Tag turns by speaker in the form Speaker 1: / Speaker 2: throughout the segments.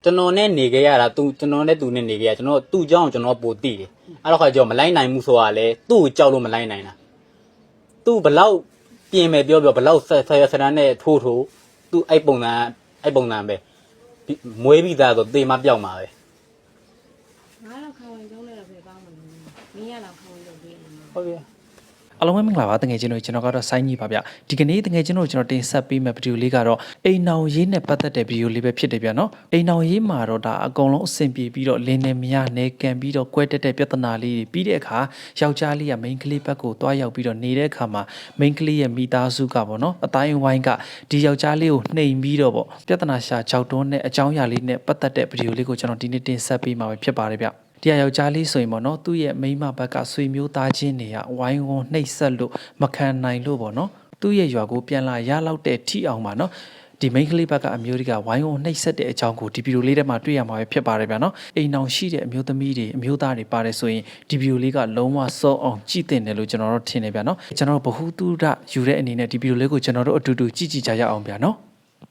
Speaker 1: ကျွန်တော်နဲ့နေခဲ့ရတာကျွန်တော်နဲ့သူနဲ့နေခဲ့ရကျွန်တော်သူ့เจ้าကျွန်တော်ပိုတိတယ်အဲ့တော့ခါကျတော့မလိုက်နိုင်ဘူးဆိုတာလေသူ့ကိုကြောက်လို့မလိုက်နိုင်တာသူ့ဘလောက်ပြင်မယ်ပြောဘလောက်ဆရာဆရာနဲ့ထိုးသူ့အဲ့ပုံစံပဲမွေးပြီးသားဆိုတေမပြောက်မှာပဲ
Speaker 2: ငါတော့ခေါင်းဝင်ကျုံးလဲတော့ပဲကောင်းမှာမင်းရတော့ခေါင်းဝင်ကျုံးပေးနေမှာ
Speaker 1: ဟုတ်ပြီ
Speaker 3: အားလုံးပဲမင်္ဂလာပါတကယ်ချင်းတို့ကျွန်တော်ကတော့စိုင်းကြီးပါဗျဒီကနေ့တကယ်ချင်းတို့ကျွန်တော်တင်ဆက်ပေးမယ့်ဗီဒီယိုလေးကတော့အိမ်အောင်ရေးနဲ့ပတ်သက်တဲ့ဗီဒီယိုလေးပဲဖြစ်တယ်ဗျနော်အိမ်အောင်ရေးမှာတော့ဒါအကုန်လုံးအဆင်ပြေပြီးတော့လင်းနေမရနေကန်ပြီးတော့ကွဲတက်တဲ့ပြဿနာလေးတွေပြီးတဲ့အခါယောက်ျားလေးကမိန်းကလေးဘက်ကိုတွားရောက်ပြီးတော့နေတဲ့အခါမှာမိန်းကလေးရဲ့မိသားစုကပေါ့နော်အတိုင်းဝိုင်းကဒီယောက်ျားလေးကိုနှိမ်ပြီးတော့ပေါ့ပြဿနာရှာကြောက်တွန်းတဲ့အကြောင်းအရာလေးနဲ့ပတ်သက်တဲ့ဗီဒီယိုလေးကိုကျွန်တော်ဒီနေ့တင်ဆက်ပေးမှာပဲဖြစ်ပါတယ်ဗျတရားယောက်ျားလေးဆိုရင်ပေါ့နော်သူ့ရဲ့မိန်းမဘက်ကဆွေမျိုးသားချင်းတွေကဝိုင်းဝန်းနှိပ်စက်လို့မခံနိုင်လို့ပေါ့နော်သူ့ရဲ့ရွာကိုပြန်လာရလောက်တဲ့ထိအောင်ပါနော်ဒီမိန်းကလေးဘက်ကအမျိုးတွေကဝိုင်းဝန်းနှိပ်စက်တဲ့အကြောင်းကိုဒီဗီဒီယိုလေးထဲမှာတွေ့ရမှာပဲဖြစ်ပါတယ်ဗျာနော်အိမ်အောင်ရှိတဲ့အမျိုးသမီးတွေအမျိုးသားတွေပါတယ်ဆိုရင်ဒီဗီဒီယိုလေးကလုံးဝစောအောင်ကြည့်တင်တယ်လို့ကျွန်တော်တို့ထင်နေဗျာနော်ကျွန်တော်တို့ဘ ഹു တုဒယူတဲ့အနေနဲ့ဒီဗီဒီယိုလေးကိုကျွန်တော်တို့အတူတူကြည့်ကြရအောင်ဗျာနော်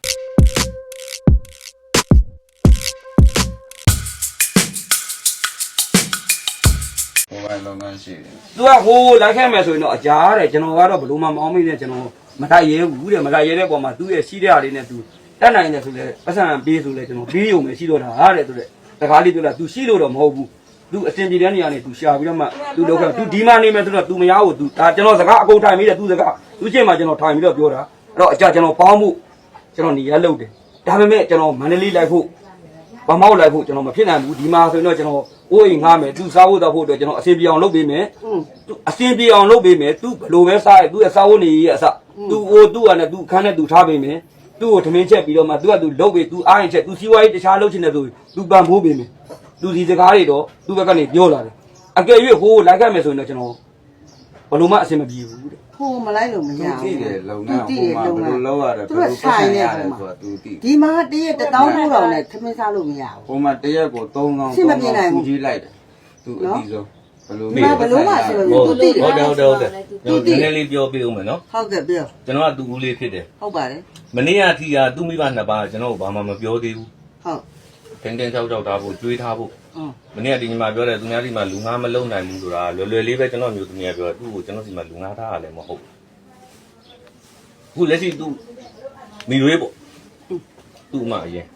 Speaker 4: သူကဟိုလိုက်ခဲ့မယ်ဆိုရင်တော့အကြားတဲ့ကျွန်တော်ကတော့ဘလို့မှမအောင်မိနဲ့ကျွန်တော်မတိုက်ရဲဘူးတဲ့မတိုက်ရဲတဲ့ပုံမှာသူ့ရဲ့ရှိတဲ့အားလေးနဲ့သူတက်နိုင်တယ်ဆိုလဲပတ်စံပေးဆိုလဲကျွန်တော်ပေးရုံပဲရှိတော့တာတဲ့ဆိုတဲ့တကားလေးပြောလာသူရှိလို့တော့မဟုတ်ဘူးသူအတင်ပြည်တဲ့နေရာနေသူရှာပြီးတော့မှသူလောက်ခဲ့သူဒီမှာနေမယ်ဆိုတော့သူမရဘူးသူဒါကျွန်တော်စကားအကုန်ထိုင်ပြီးတဲ့သူစကားသူချင်းမှကျွန်တော်ထိုင်ပြီးတော့ပြောတာအဲ့တော့အကြကျွန်တော်ပေါင်းမှုကျွန်တော်နေရလုပ်တယ်ဒါပေမဲ့ကျွန်တော်မန္တလေးလိုက်ဖို့ဗမောက်လိုက်ဖို့ကျွန်တော်မဖြစ်နိုင်ဘူးဒီမှာဆိုရင်တော့ကျွန်တော်အိုးအိမ်ငားမယ်သူစားဖို့တော့ဖို့အတွက်ကျွန်တော်အစင်ပြေအောင်လုပ်ပေးမယ်သူအစင်ပြေအောင်လုပ်ပေးမယ်သူဘလို့ပဲစားရသူရဲ့စားဖို့နေရအစသူဟိုသူ့ဟာနဲ့သူခန်းနဲ့သူထားပေးမယ်သူ့ကိုထမင်းချက်ပြီးတော့မှသူကသူလုပ်ပေးသူအားရင်ချက်သူစီးပွားရေးတခြားလုပ်ချင်တယ်ဆိုသူပံ့ပိုးပေးမယ်သူဒီစကားတွေတော့သူ့ဘက်ကနေပြောလာတယ်အကယ်၍ဟိုလိုက်ခဲ့မယ်ဆိုရင်တော့ကျွန်တော်ဘလို့မှအစင်မပြေဘူးတဲ့
Speaker 5: ဟိုမလိုက်လို့မရဘူး
Speaker 6: တိတယ်လုံငန်းဟိုမှာဘယ်လိုလုပ်ရတယ်ဘယ်လို
Speaker 5: ဆိုင်နေတယ်ဆိုတာသူတိဒီမှာတရက်1,900နဲ့ထမင်းစားလို့မရဘူး
Speaker 6: ဟိုမှာတရက်ကို3,000
Speaker 5: ရှင်းမပြနိုင်ဘူး
Speaker 6: ကြီးလိုက်တယ်သူအတိဆုံး
Speaker 5: ဘယ်လိုမှဆိုလို့သူတိတယ်
Speaker 1: ဟုတ်တယ်နည်းနည်းလေးပြောပြဦးမယ်နော်
Speaker 5: ဟုတ်ကဲ့ပြော
Speaker 1: ကျွန်တော်ကသူ့ဦးလေးဖြစ်တယ်
Speaker 5: ဟုတ်ပါတယ်
Speaker 1: မနေ့ကထီကသူ့မိဘနှစ်ပါးကျွန်တော်ဘာမှမပြောသေးဘူး
Speaker 5: ဟုတ်
Speaker 1: တင်းချောက်ထားဖို့ကြွေးထားဖို့မနေ့ကဒီညီမပြောတယ်သူများဒီမှာလူငါမလုံနိုင်ဘူးဆိုတာလွယ်လေးပဲကျွန်တော်မျိုးသမီးကပြောသူ့ကိုကျွန်တော်ဒီမှာလူငါထားရလည်းမဟုတ်ဘူးလက်ရှိသူမိရွေးပေါ့သူ့မအရင်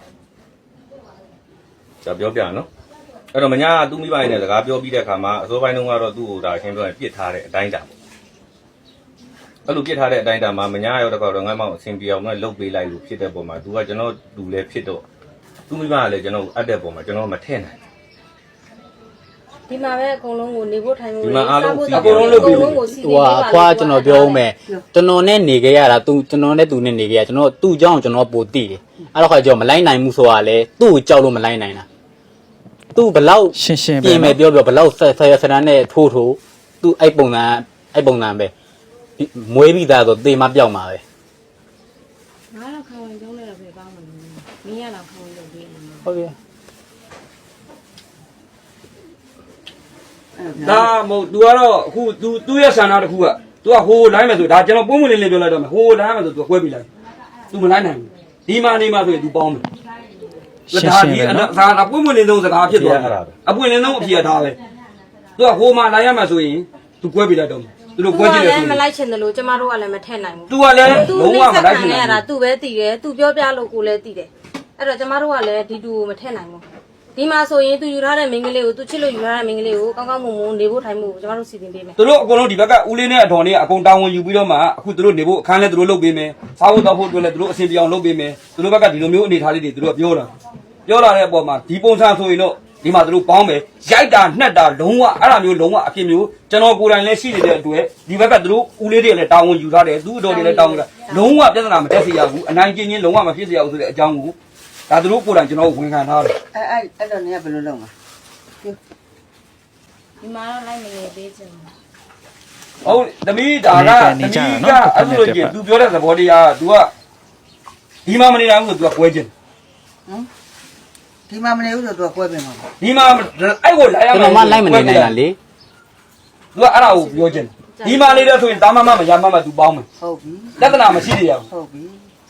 Speaker 1: จะပြောပြနော်အဲ့တော့မညာသူ့မိဘရဲ့စကားပြောပြီးတဲ့အခါမှာအစိုးပိုင်းတုန်းကတော့သူ့ကိုဒါအရှင်းပြောရင်ပြစ်ထားတဲ့အတိုင်းတာပေါ့အဲ့လိုပြစ်ထားတဲ့အတိုင်းတာမှာမညာရောက်တော့ငါ့မောင်အဆင်ပြေအောင်လည်းလုပ်ပေးလိုက်လို့ဖြစ်တဲ့ပုံမှာ तू ကကျွန်တော်လူလည်းဖြစ်တော့သူ့မိဘကလည်းကျွန်တော်အပ်တဲ့ပုံမှာကျွန်တော်မထည့်နိုင်
Speaker 2: ဒီမှာပဲအကုန်လုံးကိုနေဖို့ထိုင်ဖို့
Speaker 1: ဒီမှာအားလုံးအကုန်လုံးလုပ်ပြီးဟိုအဖွားကျွန်တော်ပြောဦးမယ်ကျွန်တော်နဲ့နေခဲ့ရတာကျွန်တော်နဲ့သူနဲ့နေခဲ့ရကျွန်တော်သူ့เจ้าကျွန်တော်ပိုတိတယ်အဲ့တော့ခါကျတော့မလိုက်နိုင်ဘူးဆိုတာလေသူ့ကိုကြောက်လို့မလိုက်နိုင်တာသူ့ဘလောက်
Speaker 3: ရှင်း
Speaker 1: ပြင်မယ်ပြောဘလောက်ဆရာဆရာနဲ့ထိုးသူ့အဲ့ပုံစံပဲမွေးပြီးသားဆိုတေမပြောက်မှာပဲ
Speaker 2: ငါတော့ခေါင်းဝင်ကျုံးလဲတော့ပဲကောင်းမှာမင်းရတော့ခေါင်းဝင်ကျုံးပေးနေမှာ
Speaker 1: ဟုတ်ပြီ
Speaker 4: ဒါမဟုတ် तू ကတော့အခု तू ရဲ့ဆန္ဒတစ်ခုက तू ကဟိုလိုက်မယ်ဆိုဒါကျွန်တော်ပုံမလင်းလေးပြောလိုက်တော့မယ်ဟိုလိုက်မယ်ဆို तू ကွဲပြီးလိုက် तू မလိုက်နိုင်ဘူးဒီမှာနေမှာဆိုရင် तू ပေါင်းမယ်ဒါဒီဒါပုံမလင်းဆုံးစကားဖြစ်သွားတာအပွင့်လင်းဆုံးအဖြစ်ထားပဲ तू ကဟိုမှာလိုက်ရမှာဆိုရင် तू ကွဲပြီးလိုက်တော့မယ်သူတို့ကွဲကြည့်တယ်
Speaker 2: ဆိုမလိုက်ချင်တယ်လို့ကျမတို့ကလည်းမထည့်နိုင်ဘူး
Speaker 4: तू ကလည်းလုံးဝမလိုက်ချင်
Speaker 2: ရတာ तू ပဲတည်တယ် तू ပြောပြလို့ကိုလည်းတည်တယ်အဲ့တော့ကျမတို့ကလည်းဒီတူကိုမထည့်နိုင်ဘူးဒီမှာဆိုရင် तू ယူထားတဲ့မိန်းကလေးကို तू ချစ်လို့ယူထားတဲ့မိန်းကလေးကိုကောင်းကောင်းမွန်မွန်နေဖို့ထိုင်ဖို့ကျမတို့စီစဉ်ပေးမယ်
Speaker 4: သူတို့အကုန်လုံးဒီဘက်ကဦးလေးနဲ့အတော်နဲ့အကုန်တာဝန်ယူပြီးတော့မှအခုသူတို့နေဖို့အခန်းလဲသူတို့လုပ်ပေးမယ်စားဖို့တော့ဖို့အတွက်လဲသူတို့အစီအပြောင်းလုပ်ပေးမယ်သူတို့ဘက်ကဒီလိုမျိုးအနေထားလေးတွေသူတို့ပြောလာတဲ့အပေါ်မှာဒီပုံစံဆိုရင်တော့ဒီမှာသူတို့ပေါင်းမယ်ရိုက်တာနှက်တာလုံးဝအဲ့ဒါမျိုးလုံးဝအဖြစ်မျိုးကျွန်တော်ကိုယ်တိုင်လည်းရှိနေတဲ့အတွက်ဒီဘက်ကသူတို့ဦးလေးတွေလည်းတာဝန်ယူထားတယ်သူ့အတော်တွေလည်းတာဝန်ယူတာလုံးဝပြဿနာမတက်စေရဘူးအနိုင်ကျင့်ချင်းလုံးဝမဖြစ်စေရဘူးဆိုတဲ့အကြောင်းကိုဒါသူတို့ကိုယ်တိုင်ကျွန်တော်ဝန်ခံထားတယ်
Speaker 5: အဲ့တော့နေဘယ်လိုလုပ်မှာ
Speaker 2: ဒီမှာတော့လိုက်မနေသေးချင်
Speaker 4: ဟုတ်သမီးဒါကအဲ့လိုကြီး तू ပြောတဲ့သဘောတရား तू ကဒီမှာမနေနိုင်ဘူး तू ကကွဲခြင်း
Speaker 5: ဒီမှာမနေဘူးဆိုတော့ကွဲပြင်မှာ
Speaker 4: ဒီမှာအဲ့ကိုလိုက်ရမှာ
Speaker 1: ကျွန်တော်မှလိုက်မနေနိုင်တာလေ
Speaker 4: तू ကအဲ့ဒါကိုပြောခြင်းဒီမှာနေတယ်ဆိုရင်တာမမမရမမ तू ပေါင်းမယ်
Speaker 5: ဟုတ်ပြီ
Speaker 4: လက္ခဏာမရှိသေးရဘူး
Speaker 5: ဟုတ်ပြီ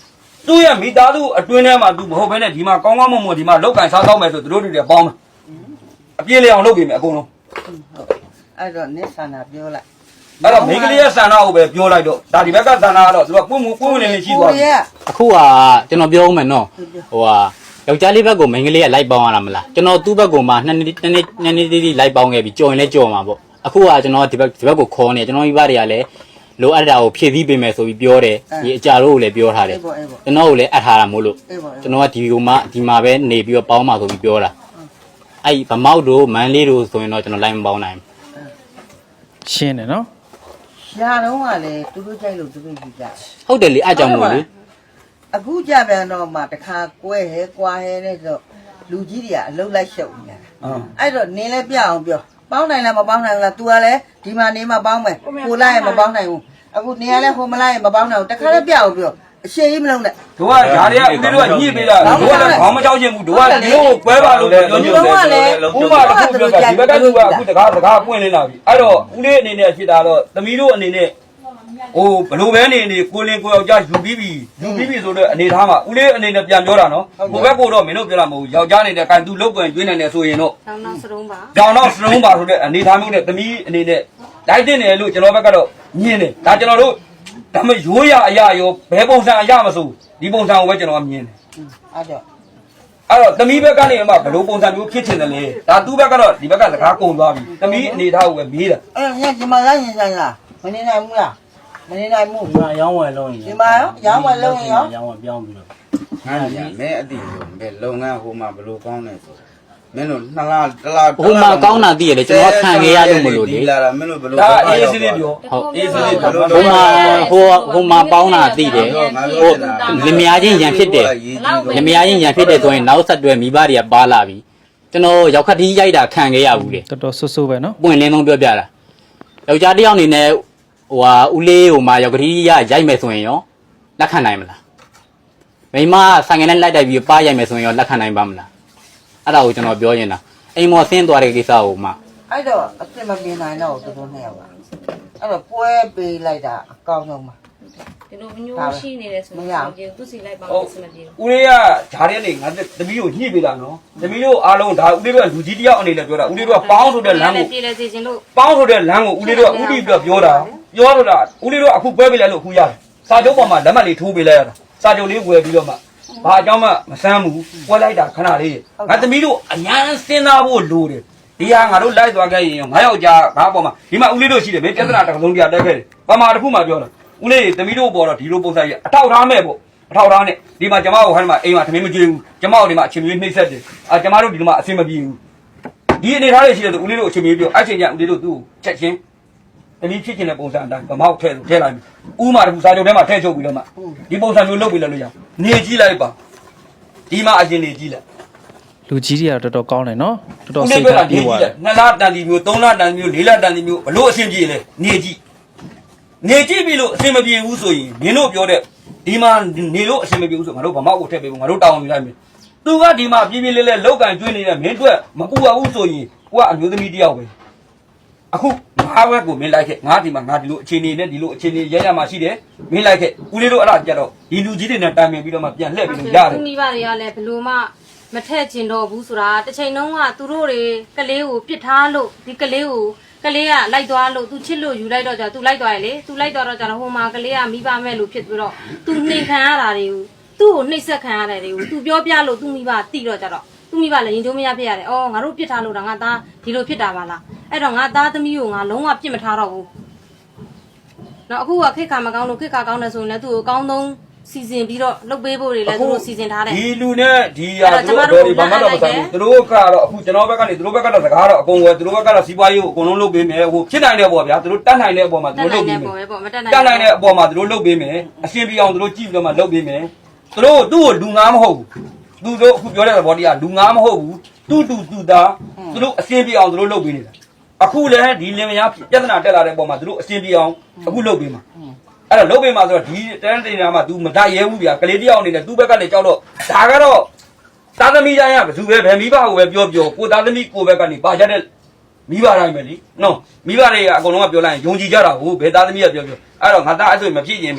Speaker 4: သူ့ရဲ့မိသားစုအတွင်းထဲမှာ तू မဟုတ်ဘဲနဲ့ဒီမှာကောင်းကောင်းမွန်မွန်ဒီမှာလောက်ကန်စားတော့မယ်ဆိုသူတို့တွေပေါင်းမယ်အပြေးလေအောင်လုပ်ပေးမယ်အကုန်လုံး
Speaker 5: အဲ့တော့နစ်ဆန္ဒပြောလိုက်
Speaker 4: အဲ့တော့မိန်းကလေးရဲ့ဆန္ဒကိုပဲပြောလိုက်တော့ဒါဒီဘက်ကဆန္ဒကတော့သူကပွင့်ဝင်နေရှိသွားပြီ
Speaker 7: အခုကကျွန်တော်ပြောဦးမယ်နော်ဟိုဟာယောက်ျားလေးဘက်ကိုမိန်းကလေးကလိုက်ပေါင်းရတာမလားကျွန်တော်သူ့ဘက်ကိုမှနှစ်နေ့တီးလိုက်ပေါင်းခဲ့ပြီးကြော်ရင်လည်းကြော်မှာပေါ့အခုကကျွန်တော်ဒီဘက်ကိုခေါ်နေကျွန်တော်မိဘတွေကလည်းလိုအပ်တာကိုဖြည့်ဆည်းပေးမယ်ဆိုပြီးပြောတယ်ဒီအကြတို့ကိုလည်းပြောထားတယ်ကျွန်တော်ကိုလည်းအပ်ထားတာမို့လို့ကျွန်တော်ကဒီမှာပဲနေပြီးတော့ပေါင်းမှာဆိုပြီးပြောတာအဲ့ဗမောက်တို့မန်းလေးတို့ဆိုရင်တော့ကျွန်တော်လိုက်မပေါင်းနိုင်
Speaker 3: ရှင်းတယ်နော်
Speaker 5: ရှားတော့ကလည်းသူတို့ကြိုက်လို့သူတို့ယူကြ
Speaker 7: ဟုတ်တယ်လေအဲ့ကြောင့်မို့လေ
Speaker 5: အခုကြပြန်တော့မှတခါကွဲဟဲကွာဟဲနဲ့ဆိုလူကြီးတွေကအလုံးလိုက်ရှုပ်နေတာအဲ့တော့နင်းလဲပြအောင်ပြောပေါင်းနိုင်လားမပေါင်းနိုင်ဘူးလား तू ကလည်းဒီမှာနေမှပေါင်းမယ်ကိုလိုက်ရင်မပေါင်းနိုင်ဘူးအခုနေရလဲဟိုမလိုက်ရင်မပေါင်းနိုင်ဘူးတခါလည်းပြအောင်ပြောအရှိကြီးမလုံးနဲ့
Speaker 4: တို့ကဓာတ်တွေကဦးလေးတို့ကညှိပေးတာတို့ကလည်းခေါင်းမကြောက်ချင်ဘူးတို့ကဒီလိုကွဲပါလို့ပြောညှိတယ်ဥပမာတစ်ခုပြောတာဒီဘက်ကသူကအခုတကားပွင့်လင်းလာပြီအဲ့တော့ဦးလေးအနေနဲ့ဖြစ်တာတော့သမီးတို့အနေနဲ့ဟိုဘလို့ပဲနေကိုလင်းကိုယောက်ျားယူပြီးပြီဆိုတော့အနေထားမှာဦးလေးအနေနဲ့ပြန်ပြောတာနော်ကိုဘက်ကိုတော့မင်းတို့ပြောတာမဟုတ်ဘူးယောက်ျားနေတဲ့ကန်သူလုတ်ပွင့်ကျွေးနေတယ်ဆိုရင်တော့
Speaker 2: တောင်းတော့စရုံးပါ
Speaker 4: ကြောင်တော့စလုံးပါဆိုတဲ့အနေထားမျိုးနဲ့သမီးအနေနဲ့လိုက်တင်တယ်လို့ကျွန်တော်ဘက်ကတော့မြင်တယ်ဒါကျွန်တော်တို့ဒါမှရိုးရအရာရောဘယ်ပုံစံအရာမဆိုဒီပုံစံကိုပဲကျွန်တော်ကမြင်တယ်
Speaker 5: အဲ့တော့
Speaker 4: အဲ့တော့သမီးဘက်ကနေမှဘလို့ပုံစံမျိုးဖြစ်ချင်တယ်လေဒါသူ့ဘက်ကတော့ဒီဘက်ကစကားကုန်သွားပြီသမီးအနေထားကိုပဲမေးတာ
Speaker 5: အဲ့ညဒီမှာလိုက်ရင်ဆိုင်လားမနေနိုင်ဘူးလားမနေနိုင်ဘူး
Speaker 8: ဒီမှာရောင်းဝယ်လုံးရင်
Speaker 5: ဒီမှာရောင်းဝယ်လုံးရင်ရော
Speaker 8: ရောင်းဝယ်ပြောင်းပြီးတော့
Speaker 6: ငါညာမဲအတိလို့မဲလုပ်ငန်းဟိုမှာဘလို့ကောင်းနေဆိုမင်းတို့2လတစ်လ
Speaker 7: ဟိုမှာကောင်းတာသိရတယ်ကျွန်တော်ခံခဲ့ရလို့မလို့လေ
Speaker 6: ဒီလာတာမင်းတို့ဘလို့
Speaker 4: ဒါအေးစစ်လေးပြော
Speaker 7: ဟုတ်
Speaker 4: အေးစစ်လေးပြော
Speaker 7: ဟိုမှာပေါင်းတာသိတယ်ဟိုလင်မယားချင်းရန်ဖြစ်တယ်လင်မယားချင်းရန်ဖြစ်တယ်ဆိုရင်နောက်ဆက်တွဲမိဘတွေကပါလာပြီကျွန်တော်ရောက်ခတ်တီးရိုက်တာခံခဲ့ရဘူးလေ
Speaker 3: တော်တော်ဆူဆူပဲနော်
Speaker 7: ပွင့်လင်းဆုံးပြောပြတာယောက်ျားတစ်ယောက်အနေနဲ့ဟိုဟာဦးလေးဟိုမှာယောက်ကလေးရိုက်မယ်ဆိုရင်ရောလက်ခံနိုင်မလားမိမဆိုင်ငယ်နဲ့လိုက်တိုက်ပြီးပါရိုက်မယ်ဆိုရင်ရောလက်ခံနိုင်ပါမလားအဲ့ဒါကိုကျွန်တော်ပြောနေတာအိမ်မော်ဆင်းသွားတဲ့ကိစ္စကိုမှ
Speaker 5: အဲ့တော့အစ်မပြင်းနိုင်တော့သူတို့နှစ်ယောက်ကအဲ့တော့ပွဲပေးလိုက်တာအကောင်းဆုံးပါ
Speaker 2: ဒီလိုမျိုးရှိနေတယ်ဆိုတော့သူစီလိုက်ပါမယ်စမပြေဘူး
Speaker 4: ဦးလေးကဓာတ်ရဲနေငါသမီးကိုညှိပေးတာနော်သမီးတို့အားလုံးဒါဦးလေးတို့ကလူကြီးတယောက်အနေနဲ့ပြောတာဦးလေးတို့ကပေါင်းဆိုတဲ့လမ်းကို
Speaker 2: ပြေလဲစီခြင်းလို့
Speaker 4: ပေါင်းဆိုတဲ့လမ်းကိုဦးလေးတို့ကဦးပြီးပြောတာတော့ဦးလေးတို့အခုပွဲပေးလိုက်လို့အခုရတယ်စာချုပ်ပေါ်မှာလက်မှတ်လေးထိုးပေးလိုက်ရတာစာချုပ်လေးဝယ်ပြီးတော့မှဘာအကြောင်းမှမဆမ်းဘူးပွဲလိုက်တာခဏလေးငါသမီးတို့အញ្ញမ်းစဉ်းစားဖို့လိုတယ်ဒီဟာငါတို့လိုက်သွားခဲ့ရင်ငါယောက်ျားငါပေါ်မှာဒီမှာဦးလေးတို့ရှိတယ်မင်းပြဿနာတစ်စုံတရားတက်ခဲ့တယ်ပမာတစ်ခုမှပြောတာဦးလေးသမီးတို့ပေါ်တော့ဒီလိုပုံစံကြီးအထောက်ထားမဲ့ပေါ့အထောက်ထားနဲ့ဒီမှာကျမတို့ဟိုင်းမှာအိမ်မှာသမီးမကြွေးဘူးကျမတို့ဒီမှာအချင်းမျိုးနှိမ့်ဆက်တယ်ကျမတို့ဒီမှာအဆင်မပြေဘူးဒီအနေထားလေးရှိတယ်ဆိုဦးလေးတို့အချင်းမျိုးပြောအချင်းချင်းဦးလေးတို့သူ့ကိုချက်ချင်းသမီးဖြစ်ချင်တဲ့ပုံစံအတိုင်းဗမောက်ထဲလိုက်မယ်ဥမာတခုစာချုပ်ထဲမှာထည့်ချုပ်ပြီးတော့မှဒီပုံစံမျိုးလုပ်ပြီးလို့ရနေကြည့်လိုက်ပါဒီမှာအရင်နေကြည့်လိုက်
Speaker 3: လူကြီးတွေကတော့တော်တော်ကောင်းတယ်နော်တော်တော်
Speaker 4: ဦး
Speaker 3: စိ
Speaker 4: လေး
Speaker 3: တ်
Speaker 4: က
Speaker 3: ထား
Speaker 4: နေ
Speaker 3: ပြေး
Speaker 4: ကြ
Speaker 3: သွား
Speaker 4: ည့်
Speaker 3: တယ်
Speaker 4: 2လတန်တီမျိုး3လတန်တီမျိုး4လတန်တီမျိုးဘလို့အဆင်ပြေလဲနေကြည့်နေကြည့်ပြီလို့အဆင်မပြေဘူးဆိုရင်မင်းတို့ပြောတဲ့ဒီမှာနေလို့အဆင်မပြေဘူးဆိုငါတို့ဗမောက်ကိုထည့်ပေးဖို့ငါတို့တောင်းယူလိုက်မယ်သူကဒီမှာပြေးပြေးလေးလေးလောက်ကန်ကျွေးနေတဲ့မင်းတို့မပူရဘူးဆိုရင်ကိုကအမျိုးသမီးတယောက်ပဲအခုငါဘက်ကိုမင်းလိုက်ခဲ့ငါဒီမှာငါဒီလိုအခြေအနေနဲ့ဒီလိုအခြေအနေရရမှာရှိတယ်မင်းလိုက်ခဲ့ဦးလေးတို့အဲ့ဒါကြတော့ဒီလူကြီးတွေနဲ့တိုင်ပင်ပြီးတော့မှပြန်လှည့်ပြီးလို့ရတယ်
Speaker 2: သူမိဘတွေကလည်းဘလို့မှမထက်ကျင်တော့ဘူးဆိုတာတစ်ချိန်လုံးကသူတို့တွေကလေးကိုပြစ်ထားလို့ဒီကလေးကိုကလေးကလိုက်သွားလို့သူချစ်လို့ယူလိုက်တော့ကြာသူလိုက်သွားရလေသူလိုက်သွားတော့ကြာတော့ဟိုမှာကလေးကမိဘမဲ့လို့ဖြစ်ပြီးတော့သူနှိမ်ခံရတာတွေကိုသူ့ကိုနှိပ်စက်ခံရတဲ့တွေကိုသူပြောပြလို့သူမိဘတိတော့ကြာတော့သူမိဘလည်းရင်ကျိုးမရဖြစ်ရတယ်။အော်ငါတို့ပြစ်ထားလို့ဒါငါသားဒီလိုဖြစ်တာပါလား။အဲ့တော့ငါသားသမီးကိုငါလုံးဝပြစ်မထားတော့ဘူး။နော်အခုကခိတ်ခါမကောင်းလို့ခိတ်ခါကောင်းတယ်ဆိုရင်လည်းသူ့ကိုအကောင်းဆုံးစီစဉ်ပြီးတော့လုပ်ပေးဖို့တွေလည်းသူတို့စီစဉ်ထားတယ်
Speaker 4: ဒီလူနဲ့ဒီဟာသူတို့ဘယ်ဘာမှတော့မဆိုင်ဘူးသူတို့ကတော့အခုကျွန်တော်ဘက်ကနေသူတို့ဘက်ကတော့စကားတော့အကုန်ဝယ်သူတို့ဘက်ကတော့စီးပွားရေးကိုအကုန်လုံးလုပ်ပေးမယ်ဟိုဖြစ်နိုင်တဲ့ပေါ့ဗျာသူတို့တတ်နိုင်တဲ့အပေါ်မှာသူတို့လုပ်ပေးမယ်
Speaker 2: ပေါ့မတက်
Speaker 4: တတ်နိုင်တဲ့အပေါ်မှာသူတို့လုပ်ပေးမယ်အရှင်းပြအောင်သူတို့ကြည့်ပြီးတော့မှလုပ်ပေးမယ်သူတို့သူ့ကိုလူငါမဟုတ်ဘူးသူတို့အခုပြောတဲ့ဘော်ဒီကလူငါမဟုတ်ဘူးသူသားသူတို့အရှင်းပြအောင်သူတို့လုပ်ပေးနေတာအခုလည်းဒီလင်မယားပြဿနာတက်လာတဲ့အပေါ်မှာသူတို့အရှင်းပြအောင်အခုလုပ်ပေးမှာအဲ့တော့လုပ်ပေးမှာဆိုတော့ဒီတန်းတင်တာမှာ तू မတရဲဘူးဗျာကလေးတယောက်အနေနဲ့ तू ဘက်ကနေကြောက်တော့ဒါကတော့သားသမီးတိုင်းကဘယ်သူပဲဘယ်မိဘကိုပဲပြောကိုသားသမီးကိုဘက်ကနေပါကြတဲ့မိဘတိုင်းပဲလीနော်မိဘတွေကအကုန်လုံးကပြောလိုက်ရင်ယုံကြည်ကြတာဟုတ်ဘယ်သားသမီးကပြောအဲ့တော့ငါသားအဲ့ဆိုမဖြစ်ရင်မင်း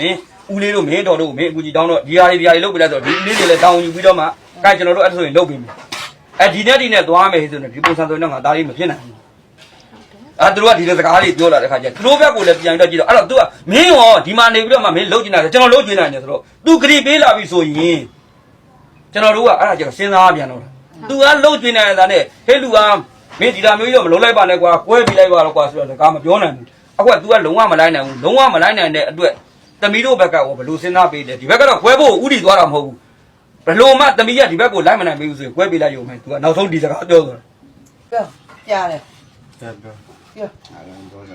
Speaker 4: ဦးလေးတို့မင်းတော်တို့မင်းအကူကြီးတောင်းတော့ဒီဟာတွေလုတ်ပြလိုက်ဆိုဒီဦးလေးတွေလည်းတောင်းယူပြီးတော့မှကဲကျွန်တော်တို့အဲ့ဒါဆိုရင်လုတ်ပြီးမယ်ဒီနဲ့သွားမယ်ဆိုရင်ဒီပုံစံဆိုရင်တော့ငါဒါလေးမဖြစ်နိုင်ဘူးသူတို့ကဒီလိုစကားလေးပြောလာတဲ့ခါကျသူတို့ဘက်ကိုလည်းပြန်တော့ကြည့်တော့အဲ့တော့ तू ကမင်းရောဒီမှာနေပြီးတော့မှမင်းလုတ်ကျင်တာကျွန်တော်လုတ်ကျင်နိုင်တယ်ဆိုတော့ तू ဂရီပေးလာပြီဆိုရင်ကျွန်တော်တို့ကအဲ့ဒါကျတော့စဉ်းစားပြန်တော့ तू ကလုတ်ကျင်နေတာနဲ့ဟဲ့လူကမင်းဒီလာမျိုးကြီးတော့မလုံးလိုက်ပါနဲ့ကွာကွဲပြီးလိုက်ပါတော့ကွာဆိုတော့စကားမပြောနိုင်ဘူးအခုက तू ကလုံးဝမလိုက်နိုင်ဘူးလုံးဝမလိုက်နိုင်တဲ့အတွက်သမီးတို့ဘက်ကဘယ်လိုစဉ်းစားပေးလဲဒီဘက်ကတော့ကွဲဖို့ဥတီသွားတာမဟုတ်ဘူးဘယ်လိုမှသမီးကဒီဘက်ကိုလိုက်မနိုင်ဘူးဆိုရင်ကွဲပေးလိုက်ရုံပဲ तू ကနောက်ဆုံးဒီစကားပြောသွားတာ
Speaker 5: ပြောကြားတယ်
Speaker 6: ပြောပြော
Speaker 5: ပြော
Speaker 6: အားလုံးပြောတယ်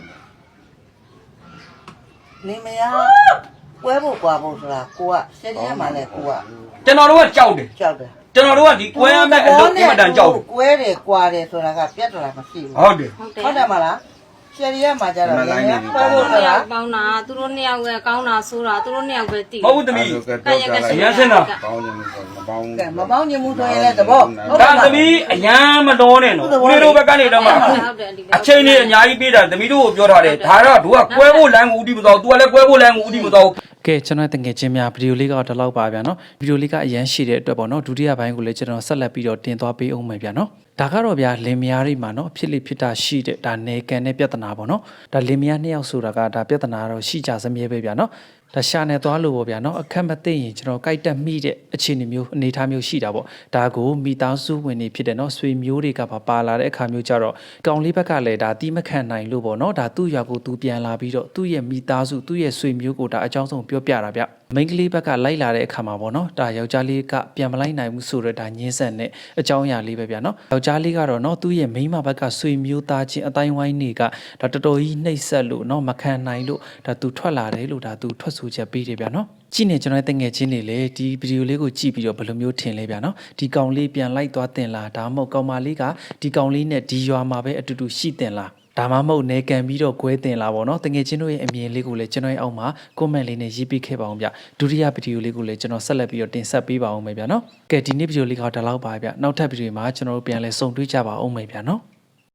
Speaker 5: နေမရပွဲဖို့ကွာဖို့ဆိုတာကိုကရှယ်ရီမှာလဲကိုက
Speaker 4: ကျွန်တော်တို့ကကြောက်တယ်
Speaker 5: ကြောက်တယ်
Speaker 4: ကျွန်တော်တို့ကဒီကွဲရမယ့်အလုပ်အမှန်တန်ကြောက်တယ်
Speaker 5: ကွဲတယ်ကွာတယ်ဆိုတာကပြတ်တော်လာမရှိဘူး
Speaker 4: ဟုတ်တယ်
Speaker 5: ဟုတ်တယ်မလားရှယ်ရီမှာကြတော့လည်းပွဲ
Speaker 2: သူ
Speaker 5: ဖို့
Speaker 2: တို့
Speaker 5: ဆိုတာ
Speaker 2: နှစ်ယောက်ပေါင်းတာသူတို့နှစ်ယောက်ပဲကောင်းတာဆိုးတာသူတို့နှစ်ယောက်ပဲတည်
Speaker 4: မဟုတ်ဘူးသမီး
Speaker 6: ပေါင်းနေမှုဆိုမပေါင်း
Speaker 5: ကဲမပေါင်းညမှုဆိုရင်လည်းသဘော
Speaker 4: ဒါသမီးအရန်မတော်နဲ့နော်ဦးလေးတို့ဘက်ကနေတော့မှအခုအချိန်လေးအများကြီးပေးတာသမီးတို့ကိုပြောထားတယ်ဒါတော့တို့ကကွဲဖို့လမ်းကိုဥတီမတော် तू ကလည်းကွဲဖို့လမ်းကိုဥတီမတော်
Speaker 3: ကဲကျွန်တော်တငယ်ချင်းများဗီဒီယိုလေးကတော့ဒီလောက်ပါဗျာနော်ဗီဒီယိုလေးကအရန်ရှိတဲ့အတွက်ပေါ့နော်ဒုတိယပိုင်းကိုလည်းကျွန်တော်ဆက်လက်ပြီးတော့တင်သွားပေးအောင်မယ်ဗျာနော်ဒါကတော့ဗျာလင်မယားတွေမှာနော်ဖြစ်လိဖြစ်တာရှိတဲ့ဒါနေကန်တဲ့ပြဿနာပေါ့နော်ဒါလင်မယားနှစ်ယောက်ဆိုတာကဒါပြဿနာတော့ရှိကြစမြဲပဲဗျာနော်ဒါရှာနေသွားလို့ပေါ့ဗျာနော်အခက်မသိရင်ကျွန်တော်ကြိုက်တက်မိတဲ့အခြေအနေမျိုးအနေအထားမျိုးရှိတာပေါ့ဒါကိုမိသားစုဝင်တွေဖြစ်တယ်နော်ဆွေမျိုးတွေကပါလာတဲ့အခါမျိုးကြတော့ကောင်လေးဘက်ကလည်းဒါတီးမခံနိုင်လို့ပေါ့နော်ဒါသူ့ရွာကိုသူပြန်လာပြီးတော့သူ့ရဲ့မိသားစုသူ့ရဲ့ဆွေမျိုးကိုဒါအကြောင်းဆုံးပြောပြတာဗျမိန်းကလေးဘက်ကလိုက်လာတဲ့အခါမှာပေါ့နော်ဒါယောက်ျားလေးကပြန်မလိုက်နိုင်ဘူးဆိုတော့ဒါညှင်းဆန်တဲ့အကြောင်းအရာလေးပဲဗျာနော်ယောက်ျားလေးကတော့နော်သူ့ရဲ့မိန်းမဘက်ကဆွေမျိုးသားချင်းအတိုင်းဝိုင်းတွေကဒါတော်တော်ကြီးနှိပ်စက်လို့နော်မခံနိုင်လို့ဒါသူထွက်လာတယ်လို့ဒါသူထွက်ဆိုချက်ပေးတယ်ဗျာနော်ကြည့်နေကျွန်တော်တငယ်ချင်းတွေလေဒီဗီဒီယိုလေးကိုကြည့်ပြီးတော့ဘယ်လိုမျိုးထင်လဲဗျာနော်ဒီကောင်လေးပြန်လိုက်သွားတင်လားဒါမှမဟုတ်ကောင်မလေးကဒီကောင်လေးနဲ့ဒီရွာမှာပဲအတူတူရှိတင်လားဒါမှမဟုတ်နေကန်ပြီးတော့ကွဲတင်လာပေါ့နော်တကယ်ချင်းတို့ရဲ့အမြင်လေးကိုလည်းကျွန်တော်ရဲ့အောက်မှာ comment လေးနဲ့ရေးပေးခဲ့ပါအောင်ဗျဒုတိယဗီဒီယိုလေးကိုလည်းကျွန်တော်ဆက်လက်ပြီးတော့တင်ဆက်ပေးပါအောင်မယ်ဗျာနော်ကဲဒီနေ့ဗီဒီယိုလေးကတော့ဒါလောက်ပါဗျနောက်ထပ်ဗီဒီယိုမှာကျွန်တော်တို့ပြန်လဲဆုံတွေ့ကြပါအောင်မယ်ဗျာနော်